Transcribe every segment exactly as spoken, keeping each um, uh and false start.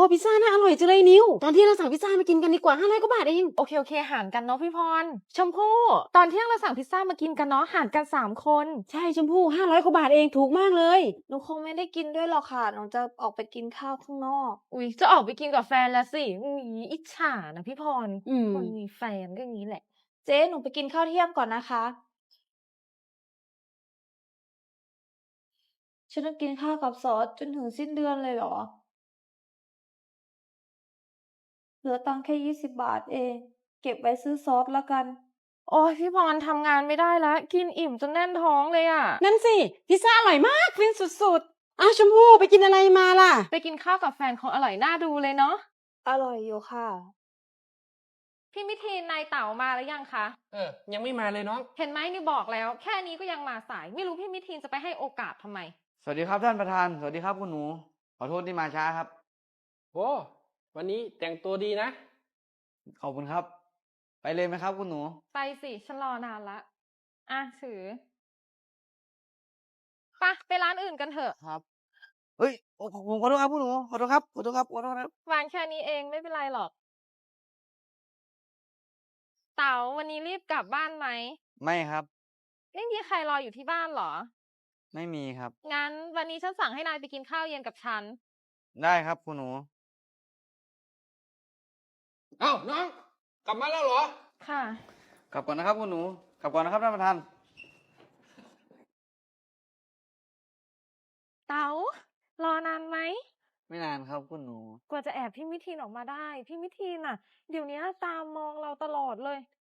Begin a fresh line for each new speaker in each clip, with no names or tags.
พิซซ่าน่าอร่อยจังเลยนิวตอนที่เราสั่งพิซซ่ามากินกันดีกว่าห้าร้อยกว่าบาทเอง
โอเคโอเคหารกันเนาะพี่พรชมพู่ตอนเที่ยงเราสั่งพิซซ่ามากินกันเนาะหารกันสามคน
ใช่ชมพู่ห้าร้อยกว่าบาทเองถูกมากเลย
หนูคงไม่ได้กินด้วยหรอกค่ะหนูจะออกไปกินข้าวข้างนอก
อุ๊ยจะออกไปกินกับแฟนแล้วสิอุ๊ยอิจฉานะพี่พร
อืม
คนมีแฟนก็อย่างนี้แหละ
เจ๊หนูไปกินข้าวเที่ยงก่อนนะคะฉันต้องกินข้าวกับซอสจนถึงสิ้นเดือนเลยเหรอเหลือตังค์แค่ยี่สิบบาทเองเก็บไว้ซื้อซอสละกัน
โอ้ยพี่พรทำงานไม่ได้แล้วกินอิ่มจนแน่นท้องเลยอะ
นั่นสิพิซซ่าอร่อยมากฟินสุดๆอ้าวชมพู่ไปกินอะไรมาล่ะ
ไปกินข้าวกับแฟนคงอร่อยน่าดูเลยเนาะ
อร่อยอยู่ค่ะ
พี่มิทีนนายเต๋ามาหรือยังคะ
เออ ยังไม่มาเลยน้อง
เห็นไหมนี่บอกแล้ว แค่นี้ก็ยังมาสาย ไม่รู้พี่มิทีนจะไปให้โอกาสทำไม
สวัสดีครับท่านประธาน สวัสดีครับคุณหนู ขอโทษที่มาช้าครับ
โอ้วันนี้แต่งตัวดีนะ
ขอบคุณครับ ไปเลยไหมครับคุณหนู
ไปสิฉันรอนานละอ่ะถือไปไปร้านอื่นกันเถอะ
ครับ เฮ้ยโอ้ผมขอโทษครับคุณหนู ขอโทษครับ ขอโทษครับ ขอโทษครับ
วางแค่นี้เองไม่เป็นไรหรอก เต๋าวันนี้รีบกลับบ้านไหม
ไม่ครับ
ไม่มีใครรออยู่ที่บ้านเหรอ
ไม่มีครับ
งั้นวันนี้ฉันสั่งให้นายไปกินข้าวเย็นกับฉัน
ได้ครับคุณหนู
เอ้าน้อง กลับมาแล้วเหรอ
ค่ะ
กลับก่อนนะครับคุณหนู กลับก่อนนะครับท่านประธาน
เต๋ารอนานไหม
ไม่นานครับคุณหนู
กว่าจะแอบพี่มิทีนออกมาได้ พี่มิทีนอ่ะ เดี๋ยวนี้ตามมองเราตลอดเลย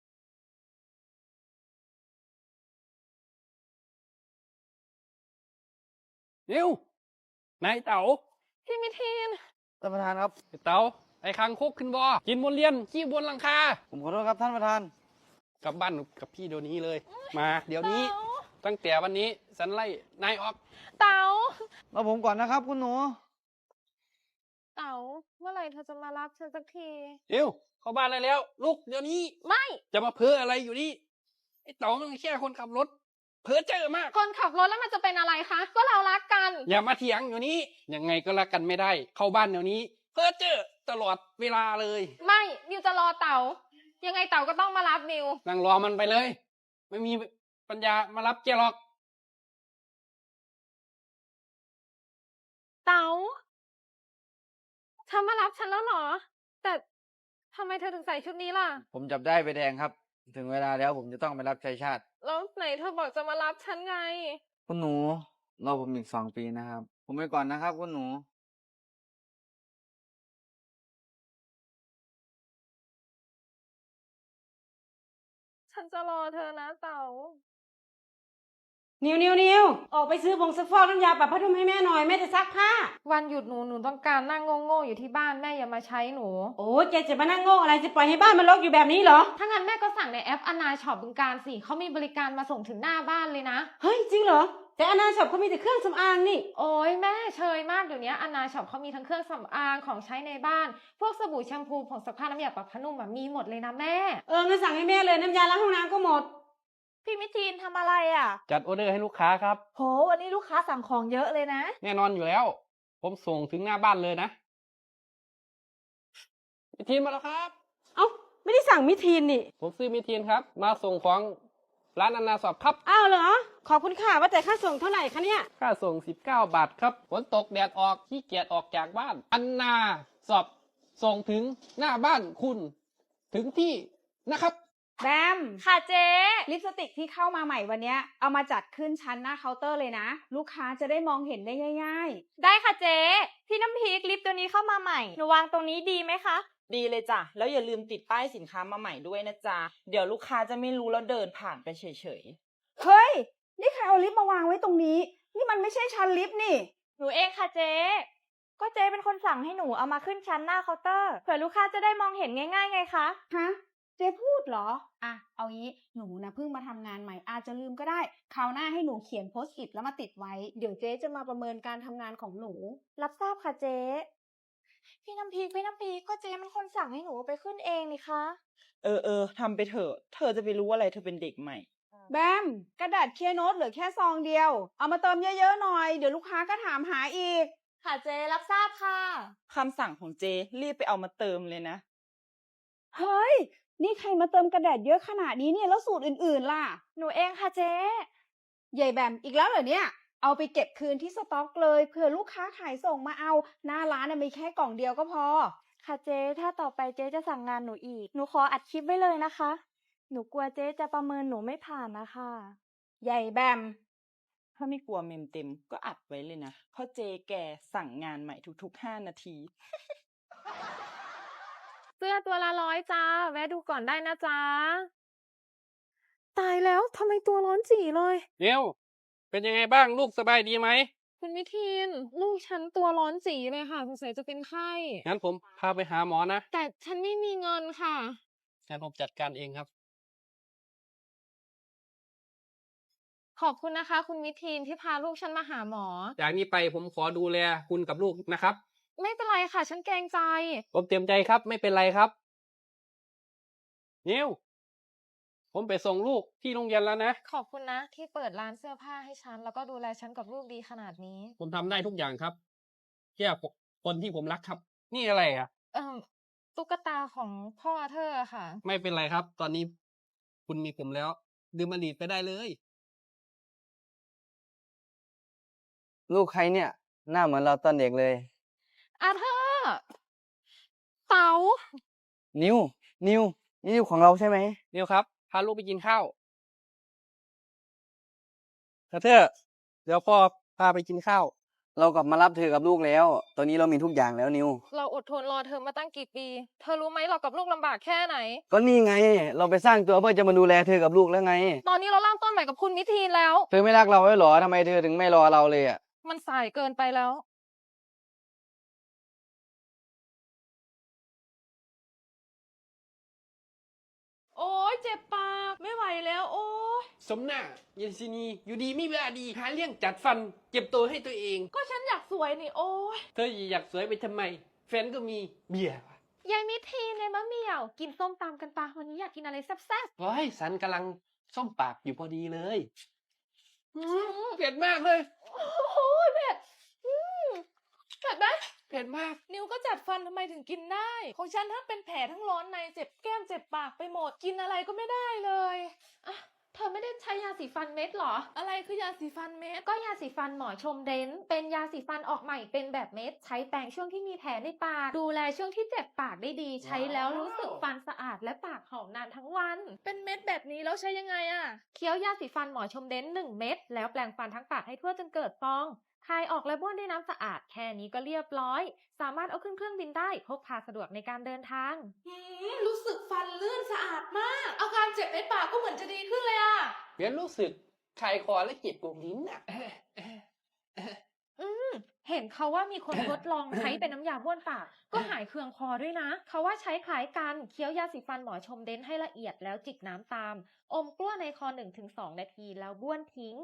นิวนายเต๋า
พี่มิทีน
ท่านประธานครับ
ไอ้เต๋า ไอ้คางคกขึ้นบอกินบนเรียนขี้บนหลังคา
ผมขอโทษครับท่านประธาน
กลับบ้านกับพี่เดี๋ยวนี้เลย มา เดี๋ยวนี้
เต๋า
ตั้งแต่วันนี้ฉันไล่นายออก
เต๋าร
อผมก่อนนะครับคุณหนู
เต๋าเมื่อไหร่เธอจะมารับฉันสักที
นิวเข้าบ้านได้แล้วลูกเดี๋ยวนี้
ไม่
จะมาเพ้ออะไรอยู่นี่ ไอ้เต๋ามันแค่คนขับรถ เพ้อเจอมาก
คนขับรถแล้วมันจะเป็นอะไรคะ ก็เรารักกัน
อย่ามาเถียงอยู่นี้ ยังไงก็รักกันไม่ได้ เข้าบ้านเดี๋ยวนี้ เพ้อเจอตลอดเวลาเลย
ไม่นิวจะรอเต๋า ยังไงเต๋าก็ต้องมารับนิว
นั่งรอมันไปเลย ไม่มีปัญญามารับแกหรอก
เต๋าเธอมารับฉันแล้วเหรอ แต่ทำไมเธอถึงใส่ชุดนี้ล่ะ
ผมจับได้ใบแดงครับ ถึงเวลาแล้วผมจะต้องไปรับใช้ชาติ
แล้วไหนเธอบอกจะมารับฉันไง
คุณหนู รอผมอีกสองปีนะครับ ผมไปก่อนนะครับคุณหนู
ฉันจะรอเธอนะเต๋า
นิวนิวนิวออกไปซื้อผงซักฟอกน้ำยาปรับผ้านุ่มให้แม่หน่อยแม่จะซักผ้า
วันหยุดหนูหนูต้องการนั่งโง่ๆอยู่ที่บ้านแม่อย่ามาใช้หนู
โอ้แกจะมานั่งโง่อะไรจะปล่อยให้บ้านมันรกอยู่แบบนี้เหรอ
ถ้างั้นแม่ก็สั่งในแอปอนาช็อปบึงการสิเขามีบริการมาส่งถึงหน้าบ้านเลยนะ
เฮ้ยจริงเหรอ แต่อนาช็อปเขามีแต่เครื่องสำอางนี่
โอ้ยแม่เชยมากเดี๋ยวนี้อนาช็อปเขามีทั้งเครื่องสำอางของใช้ในบ้าน พวกสบู่แชมพูผงซักผ้าน้ำยาปรับผ้านุ่มอะมีหมดเลยนะแม่
เอองั้นสั่งให้แม่เลยน้ำยาล้างห้องน้ำก็หมด
พี่มิทีนทำอะไรอ่ะ
จัดออเดอร์ให้ลูกค้าครับ
โหวันนี้ลูกค้าสั่งของเยอะเลยนะ
แน่นอนอยู่แล้ว ผมส่งถึงหน้าบ้านเลยนะมิทีนมาแล้วครับ
เอ้าไม่ได้สั่งมิทีนนี่
ผมซื้อมิทีนครับ มาส่งของร้านอนาสอบครับ
อ้าวเหรอ ขอบคุณค่ะว่าแต่ค่าส่งเท่าไหร่คะเนี่ย
ค่าส่งสิบเก้าบาทครับ ฝนตกแดดออกขี้เกียจออกจากบ้าน อันนาสอบส่งถึงหน้าบ้านคุณ ถึงที่นะครับ
แบม
ค่ะเจ๊
ลิปสติกที่เข้ามาใหม่วันเนี้ยเอามาจัดขึ้นชั้นหน้าเคาน์เตอร์เลยนะ ลูกค้าจะได้มองเห็นได้ง่าย
ได้ค่ะเจ๊พี่น้ำพริกลิปตัวนี้เข้ามาใหม่หนูวางตรงนี้ดีไหมคะ
ดีเลยจ้ะ แล้วอย่าลืมติดป้ายสินค้ามาใหม่ด้วยนะจ๊ะ เดี๋ยวลูกค้าจะไม่รู้แล้วเดินผ่านไปเฉย
ๆ เฮ้ย นี่ใครเอาลิปมาวางไว้ตรงนี้ นี่มันไม่ใช่ชั้นลิปนี่
หนูเองค่ะเจ๊ก็เจ๊เป็นคนสั่งให้หนูเอามาขึ้นชั้นหน้าเคาน์เตอร์เผื่อลูกค้าจะได้มองเห็นง่ายๆไงคะ
ฮะ เจ๊พูดเหรอ อ่ะ เอางี้ หนูนะเพิ่งมาทำงานใหม่ อาจจะลืมก็ได้ คราวหน้าให้หนูเขียนโพสต์อิทแล้วมาติดไว้ เดี๋ยวเจ๊จะมาประเมินการทำงานของหนู
รับทราบค่ะเจ๊พี่น้ำพริกพี่น้ำพริกก็เจ๊มันคนสั่งให้หนูเอาไปขึ้นเองนี่คะ
ๆ เออเออทำไปเถอะ เธอจะไปรู้อะไรเธอเป็นเด็กใหม่
แบม กระดาษเคลียร์โน้ตเหลือแค่ซองเดียว เอามาเติมเยอะๆหน่อย เดี๋ยวลูกค้าก็ถามหาอีก
ค่ะเจ๊รับทราบค่ะ
คำสั่งของเจรีบไปเอามาเติมเลยนะ
เฮ้ย นี่ใครมาเติมกระดาษเยอะขนาดนี้เนี่ย แล้วสูตรอื่นๆล่ะ
หนูเองค่ะเจ๊
ใหญ่แบมอีกแล้วเหรอเนี่ย เอาไปเก็บคืนที่สต็อกเลยเผื่อลูกค้าขายส่งมาเอา หน้าร้านน่ะมีแค่กล่องเดียวก็พอ
ค่ะเจ๊ถ้าต่อไปเจ๊จะสั่งงานหนูอีก หนูขออัดคลิปไว้เลยนะคะ หนูกลัวเจ๊จะประเมินหนูไม่ผ่านนะคะ
ใหญ่แบม
ถ้าไม่กลัวเมมเต็มก็อัดไว้เลยนะ เพราะเจแกสั่งงานใหม่ทุกๆห้านาที
เสื้อตัวละร้อยจ้า แวะดูก่อนได้นะจ๊ะ ตายแล้วทำไมตัวร้อนจี่เลย
เดี๋ยวเป็นยังไงบ้างลูกสบายดีไหม
คุณมิทิน ลูกฉันตัวร้อนจี่เลยค่ะสงสัยจะเป็นไข้
งั้นผมพาไปหาหมอนะ
แต่ฉันไม่มีเงินค่ะ
งั้นผมจัดการเองครับ
ขอบคุณนะคะ คุณมิทินที่พาลูกฉันมาหาหมอ
จากนี้ไปผมขอดูแลคุณกับลูกนะครับ
ไม่เป็นไรค่ะ ฉันเกรงใจ
ผมเต็มใจครับ ไม่เป็นไรครับ นิวผมไปส่งลูกที่โรงเรียนแล้วนะ
ขอบคุณนะ ที่เปิดร้านเสื้อผ้าให้ฉัน แล้วก็ดูแลฉันกับลูกดีขนาดนี้
ผมทำได้ทุกอย่างครับแค่คนที่ผมรักครับ นี่อะไรอ่ะ
เอ่อตุ๊กตาของพ่อเธอค่ะ
ไม่เป็นไรครับ ตอนนี้คุณมีผมแล้วดื่มอดีตไปได้เลย
ลูกใครเนี่ย หน้าเหมือนเราตอนเด็กเลย
อาเธอร์เต๋า
นิว นิว นี่นิวของเราใช่ไหม
นิวครับ พาลูกไปกินข้าวกระเทอเดี๋ยวพ่อพาไปกินข้าว
เรากลับมารับเธอกับลูกแล้ว ตอนนี้เรามีทุกอย่างแล้วนิว
เราอดทนรอเธอมาตั้งกี่ปี เธอรู้ไหมเรากับลูกลำบากแค่ไหน
ก็นี่ไง เราไปสร้างตัวเพื่อจะมาดูแลเธอกับลูกแล้วไง
ตอนนี้เราเริ่มต้นใหม่กับคุณมิทีนแล้ว
เธอไม่รักเราไว้หรอทำไมเธอถึงไม่รอเราเลยอ่ะ
มันสายเกินไปแล้ว โอ้ยเจ็บปากไม่ไหวแล้ว โอ้ย
สมหน้าเยนซินีอยู่ดีไม่เวลาดีหาเรื่องจัดฟัน เจ็บตัวให้ตัวเอง
ก็ฉันอยากสวยนี่โอ้ย
เธออยากสวยไปทำไม แฟนก็มีเบียร์
ยายมิทีนในมะเหมี่ยว กินส้มตำกันปะวันนี้อยากกินอะไรแซ่บ
โอ้ยสันกำลังส้มปากอยู่พอดีเลยอืมเผ็ดมากเลย
ๆโอ้โหเผ็ดอืมเผ็ดไหม
เผ็ดมาก
นิวก็จัดฟันทำไมถึงกินได้ ของฉันทั้งเป็นแผลทั้งร้อนในเจ็บแก้มเจ็บปากไปหมดกินอะไรก็ไม่ได้เลยอ่ะเธอไม่ได้ใช้ยาสีฟันเม็ดเหรอ อะไรคือยาสีฟันเม็ด ก็ยาสีฟันหมอชมเดนเป็นยาสีฟันออกใหม่เป็นแบบเม็ด ใช้แปรงช่วงที่มีแผลในปาก ดูแลช่วงที่เจ็บปากได้ดี ใช้แล้วรู้สึกฟันสะอาดและปากหอมนานทั้งวัน เป็นเม็ดแบบนี้แล้วใช้ยังไงอะเคี้ยวยาสีฟันหมอชมเดนหนึ่งเม็ดแล้วแปรงฟันทั้งปากให้ทั่วจนเกิดฟอง คายออกและบ้วนด้วยน้ำสะอาดแค่นี้ก็เรียบร้อย สามารถเอาขึ้นเครื่องบินได้พกพาสะดวกในการเดินทางรู้สึกฟันลื่นสะอาดมาก อาการเจ็บในปากก็เหมือนจะดีขึ้นเลยอะ
เบียร์รู้สึกคายคอและเจ็บกรงลิ้นอ่ะ
อืมเห็นเขาว่ามีคนทดลองใช้เป็นน้ำยาบ้วนปาก ก็หายเคืองคอด้วยนะ เขาว่าใช้คล้ายกันเคี้ยวยาสีฟันหมอชมเดนให้ละเอียดแล้วจิกน้ำตาม อมกล้วในคอ หนึ่งถึงสอง นาทีแล้วบ้วนทิ้ง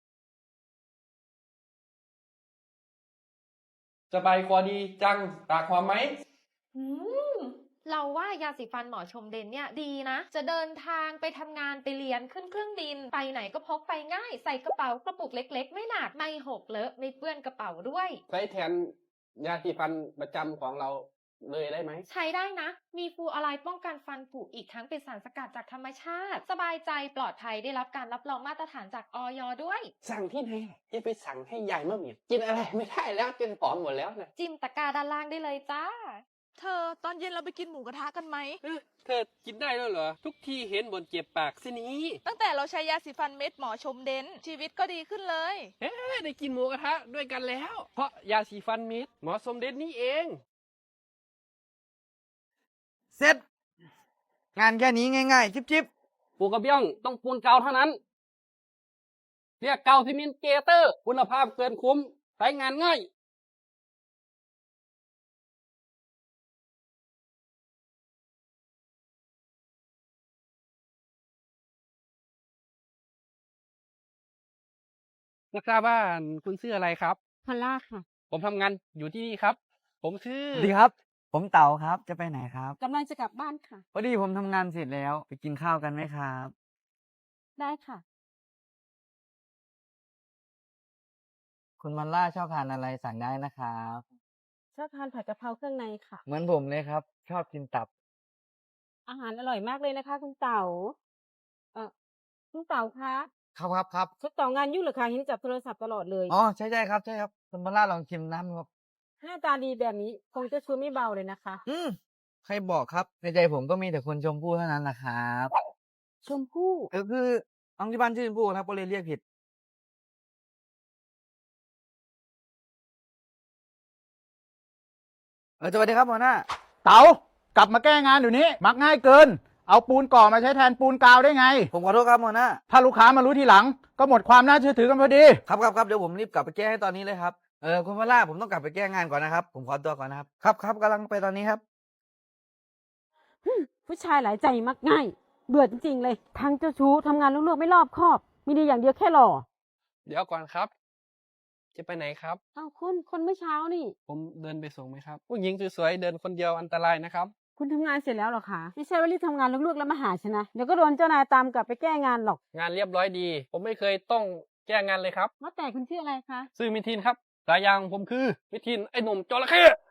สบายคอดีจังปากหอมไหม
อืมเราว่ายาสีฟันหมอชมเดนเนี่ยดีนะ จะเดินทางไปทำงานไปเรียนขึ้นเครื่องบิน ไปไหนก็พกไปง่าย ใส่กระเป๋ากระปุกเล็กๆ ไม่หนัก ไม่หกเลอะไม่เปื้อนกระเป๋าด้วย
ใช้แทนยาสีฟันประจำของเราเลยได้ไหม
ใช้ได้นะ มีฟลูออไรด์ป้องกันฟันผุอีกทั้งเป็นสารสกัดจากธรรมชาติ สบายใจปลอดภัยได้รับการรับรองมาตรฐานจากอย ด้วย
สั่งที่ไหนจะไปสั่งให้ยายมะเหมี่ยวกินอะไรไม่ได้แล้วจนผอมหมดแล้วนะ
จิ้มตะกร้าด้านล่างได้เลยจ้า
เธอตอนเย็นเราไปกินหมูกระทะกันไหม
เอ้อเธอกินได้แล้วเหรอ ทุกทีเห็นบนเจ็บปากสินี้
ตั้งแต่เราใช้ยาสีฟันเม็ดหมอชมเดนชีวิตก็ดีขึ้นเลย
เอ๊ะได้กินหมูกระทะด้วยกันแล้ว เพราะยาสีฟันมิตรหมอสมเด็จนี่เอง
เสร็จ งานแค่นี้ง่ายๆ จิ๊บ
ปูกระเบี้ยงต้องปูนเกาเท่านั้น เรียกเกาซิมินเกเตอร์ คุณภาพเกินคุ้มใช้งานง่าย นักทราบว่าคุณชื่ออะไรครับ
พอลล่าค่ะ
ผมทำงานอยู่ที่นี่ครับ ผมชื่อ
ๆสวัสดีครับ ผมเต๋าครับ จะไปไหนครับ
กำลังจะกลับบ้านค่ะ
พอดีผมทำงานเสร็จแล้ว ไปกินข้าวกันไหมครับ
ได้ค่ะ
คคุณมันล่าชอบทานอะไรสั่งได้นะครับ
ชอบทานผัดกะเพราเครื่องในค่ะ
เหมือนผมเลยครับ ชอบกินตับ
อาหารอร่อยมากเลยนะคะ คุณเต๋าเออคุณเต๋าคะ
ครับครับครับ
คุณเต๋างานยุ่งเหรอคะเห็นจับโทรศัพท์ตลอดเลย
อ๋อใช่ใช่ครับใช่ครับคุณมันล่าลองชิมน้ำครับ
หน้าตาดีแบบนี้คงจะชูไม่เบาเลยนะคะ
อืมใครบอกครับ ในใจผมก็มีแต่คนชมพู่เท่านั้นแหละครับ
ชมพู่
เออคือน้องที่บ้านชื่อชมพู่ครับก็เลยเรียกผิด เออสวัสดีครับหัวหน้า
เต๋ากลับมาแก้งานอยู่นี้มักง่ายเกิน เอาปูนก่อมาใช้แทนปูนกาวได้ไง
ผมขอโทษครับหัวหน้า
ถ้าลูกค้ามารู้ทีหลัง ก็หมดความน่าเชื่อถือกันพอดี
ครับครับครับเดี๋ยวผมรีบกลับไปแก้ให้ตอนนี้เลยครับ เออคุณพล่าผมต้องกลับไปแก้งานก่อนนะครับ ผมขอตัวก่อนนะครับ ครับครับกำลังไปตอนนี้ครับ
ผู้ชายหลายใจมักง่าย เบื่อจริงๆเลย ทั้งเจ้าชู้ทำงานลวกๆไม่รอบคอบ มีดีอย่างเดียวแค่หล่อ
เดี๋ยวก่อนครับ จะไปไหนครับ
เอ้าคุณคนเมื่อเช้านี่
ผมเดินไปส่งไหมครับ ผู้หญิงสวยๆเดินคนเดียวอันตรายนะครับ
คุณทำงานเสร็จแล้วเหรอคะ ไม่ใช่ว่ารีบทำงานลวกๆแล้วมาหาฉันนะ เดี๋ยวก็โดนเจ้านายตามกลับไปแก้งานหรอก
งานเรียบร้อยดี ผมไม่เคยต้องแก้งานเลยครับ
ว่าแต่คุณชื่ออะไรคะ
ซื่อมิทินครับฉายาของผมคือมิทินไอ้หนุ่มจระเข้